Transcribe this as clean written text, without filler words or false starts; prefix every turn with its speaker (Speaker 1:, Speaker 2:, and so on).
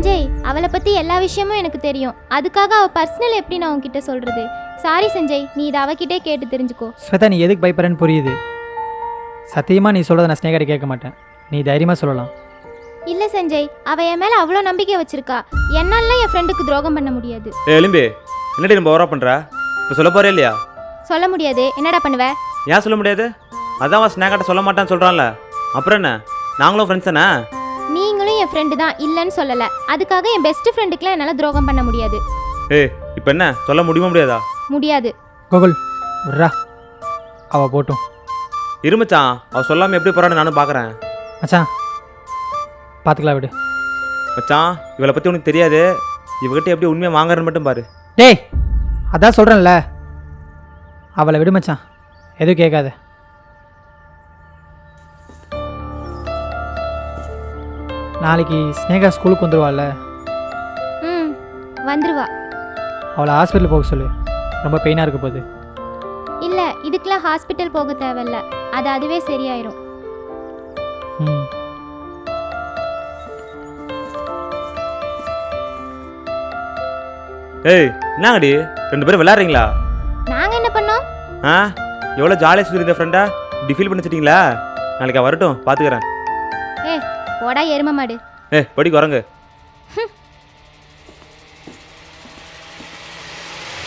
Speaker 1: சஞ்சய், அவளை பற்றி எல்லா விஷயமும் எனக்கு தெரியும். அதுக்காக அவள் பர்சனல் எப்படி நான் உன்கிட்ட சொல்கிறது? சாரி சஞ்சய், நீ இதை அவகிட்டே கேட்டு தெரிஞ்சுக்கோ.
Speaker 2: ஸ்வேதா, நீ எதுக்கு பயப்படுறேன்னு புரியுது. சத்தியமாக நீ சொல்கிறத நான் ஸ்னேகாட்ட கேட்க மாட்டேன். நீ தைரியமாக சொல்லலாம்.
Speaker 1: இல்லை சஞ்சய், அவள் என் மேலே அவ்வளோ நம்பிக்கை வச்சிருக்கா. என்னால என் ஃப்ரெண்டுக்கு துரோகம் பண்ண முடியாது.
Speaker 3: எலும்பி, என்னடி நம்ம ஓவரா பண்ணுற? இப்போ சொல்ல போகிறே இல்லையா?
Speaker 1: சொல்ல முடியாது. என்னடா பண்ணுவ?
Speaker 3: ஏன் சொல்ல முடியாது? அதான் அவன் ஸ்னேகாட்ட சொல்ல மாட்டான்னு சொல்கிறான்ல, அப்புறம் என்ன? நாங்களும் ஃப்ரெண்ட்ஸ் தானே?
Speaker 1: நீங்களும் என் ஃப்ரெண்டு தான், இல்லைன்னு சொல்லலை. அதுக்காக என் பெஸ்ட் ஃப்ரெண்டுக்குலாம் என்னால் துரோகம் பண்ண முடியாது.
Speaker 3: ஏய், இப்போ என்ன சொல்ல முடியுமா முடியாதா?
Speaker 1: முடியாது.
Speaker 2: கோகுல் விட்றா, அவள் போட்டும்.
Speaker 3: இருமச்சான், அவள் சொல்லாமல் எப்படி போகிறான்னு நானும் பார்க்குறேன்.
Speaker 2: மச்சான் பார்த்துக்கலாம், விடு.
Speaker 3: மச்சான், இவளை பற்றி உனக்கு தெரியாது. இவகிட்ட எப்படி உண்மையாக வாங்குறன்னு மட்டும் பாரு.
Speaker 2: டேய், அதான் சொல்கிறேன்ல, அவளை விடு மச்சான், எதுவும் கேட்காத. நாளைக்கு ஸ்னேகா ஸ்கூலுக்கு வந்துடுவாள்ல,
Speaker 1: ம், வந்துருவா.
Speaker 2: அவளை ஹாஸ்பிட்டல் போக சொல்லு, ரொம்ப பெயினாக இருக்க போகுது.
Speaker 1: இல்லை, இதுக்கெல்லாம் ஹாஸ்பிட்டல் போக தேவையில்ல. அது அதுவே சரியாயிரும்.
Speaker 2: ம்.
Speaker 3: ஏய், என்னங்கடி ரெண்டு பேரும் விளையாடுறீங்களா?
Speaker 1: நாங்கள் என்ன பண்ணோம்?
Speaker 3: ஆ, எவ்வளோ ஜாலியாக சுற்றி இருந்த ஃப்ரெண்டா இப்படி ஃபீல் பண்ணி வச்சிட்டிங்களா? நாளைக்கு வரட்டும், பார்த்துக்கிறேன்.
Speaker 1: போடா எரும மாடு.
Speaker 3: ஏய், படி குரங்கு.